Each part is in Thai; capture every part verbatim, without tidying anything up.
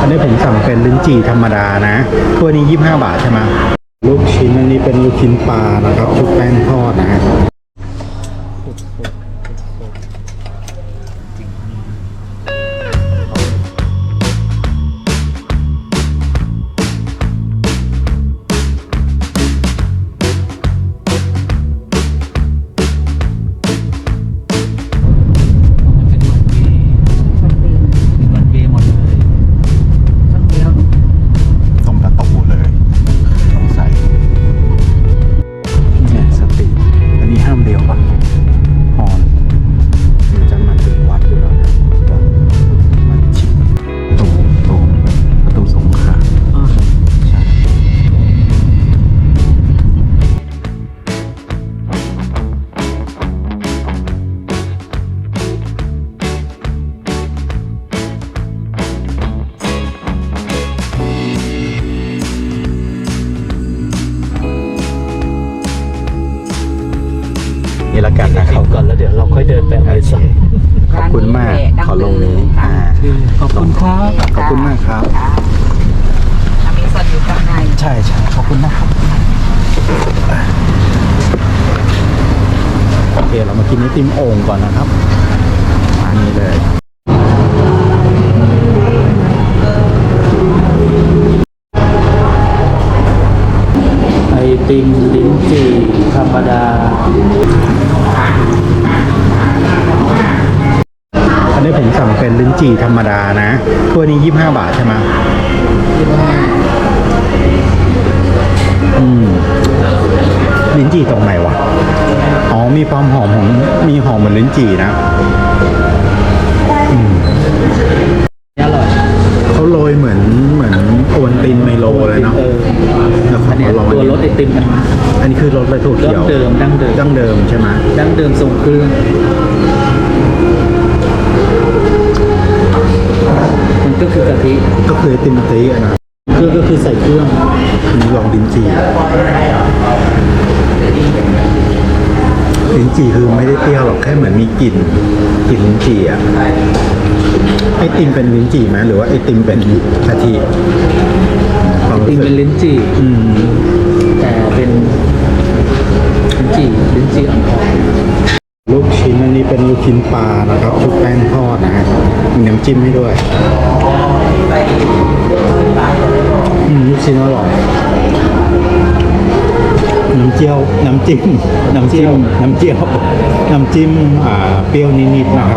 อันนี้ผมสั่งเป็นลิ้นจี่ธรรมดานะถ้วยนี้ยี่สิบห้าบาทใช่ไหมลูกชิ้นอันนี้เป็นลูกชิ้นปลานะครับชุบแป้งทอดนะฮะนี่ละกันนะครับก่อนแล้วเดี๋ยวเราค่อยเดินไปอะไรสักขอบคุณมากขอลงนี้อ่าขอบคุณครับขอบคุณมากครับมีส่วนอยู่ข้างในใช่ใช่ขอบคุณนะครับโอเคเรามากินไอติมโอ่งก่อนนะครับอันนี้เลยไอติมลิ้นจี่ธรรมดาอันนี้ผมสั่งเป็นลิ้นจี่ธรรมดานะถ้วยนี้ยี่สิบห้าบาทใช่ไหมอืมลิ้นจี่ตรงไหนวะอ๋อมีความหอมของมีหอมเหมือนลิ้นจี่นะอืมอร่อยเขาโรยเหมือนเหมือนโอวัลตินไมโลเลยเนาะแล้วเขาลองตัวรสไอติมมันอันนี้คือรสอะไรถั่วเขียวดั้งเดิมดั้งเดิมดั้งเดิมใช่ไหมดั้งเดิมทรงเครื่องมันก็คือกะทิก็คือไอติมกะทินะเครื่องก็คือใส่เครื่องนี่ลองลิ้นจี่ลิ้นจี่คือไม่ได้เปรี้ยวหรอกแค่เหมือนมีกลิ่นกลิ่นลิ้นจี่อะไอติมเป็นลิ้นจี่ไหมหรือว่าไอติมเป็นกะทิไอติมเป็นลิ้นจี่อืมแต่เป็นลิ้นจี่ลิ้นจี่อ่อนๆลูกชิ้นอันนี้เป็นลูกชิ้นปลานะครับชุบแป้งทอดนะฮะมีน้ำจิ้มให้ด้วยอืมลูกชิ้นอร่อยน้ำเจียวน้ำจิ้มน้ำจิ้มน้ำเจียวน้ำจิ้มอ่าเปรี้ยวนิดๆนะครับ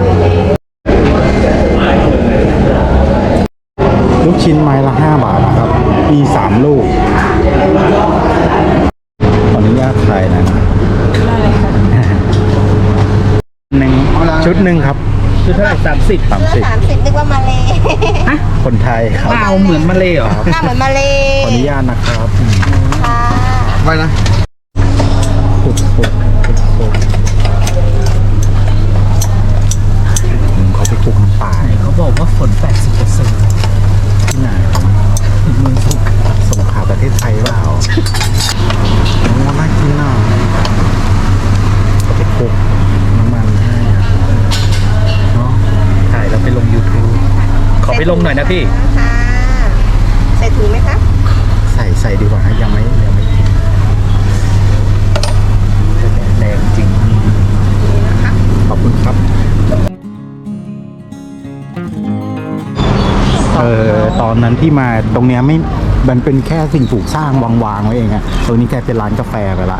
ลูกชิ้นไม้ละห้าบาทนะครับมีสามลูกขออนุญาตถ่ายนะหนึ่งชุดหนึ่งครับชุดเท่าไหร่สามสิบสามสิบสามสิบนึกว่ามาเลยคนไทยครับหน้าเหมือนมาเลยเหรอหน้าเหมือนมาเลยขออนุญาตนะครับค่ะไปนะปุบปุบปุบปุบเขาไปปลูกน้ำป่าเขาบอกว่าฝน แปดสิบเปอร์เซ็นต์ที่ไหนเมืองสงขลาสงขลาประเทศไทยเปล่าโอ้น่ากินน่ะเขาไปปลูกน้ำมันให้เนาะถ่ายแล้วไปลง ยูทูบ ขอไปลงหน่อยนะพี่ค่ะใส่ถุงไหมคะใส่ใส่ดีกว่ายังไม่ยังไม่กินแดงจริงนี่นะคะขอบคุณครับเออตอนนั้นที่มาตรงเนี้ยไม่มันเป็นแค่สิ่งปลูกสร้างวางๆไว้เองอะตรงนี้แกเป็นร้านกาแฟไปละ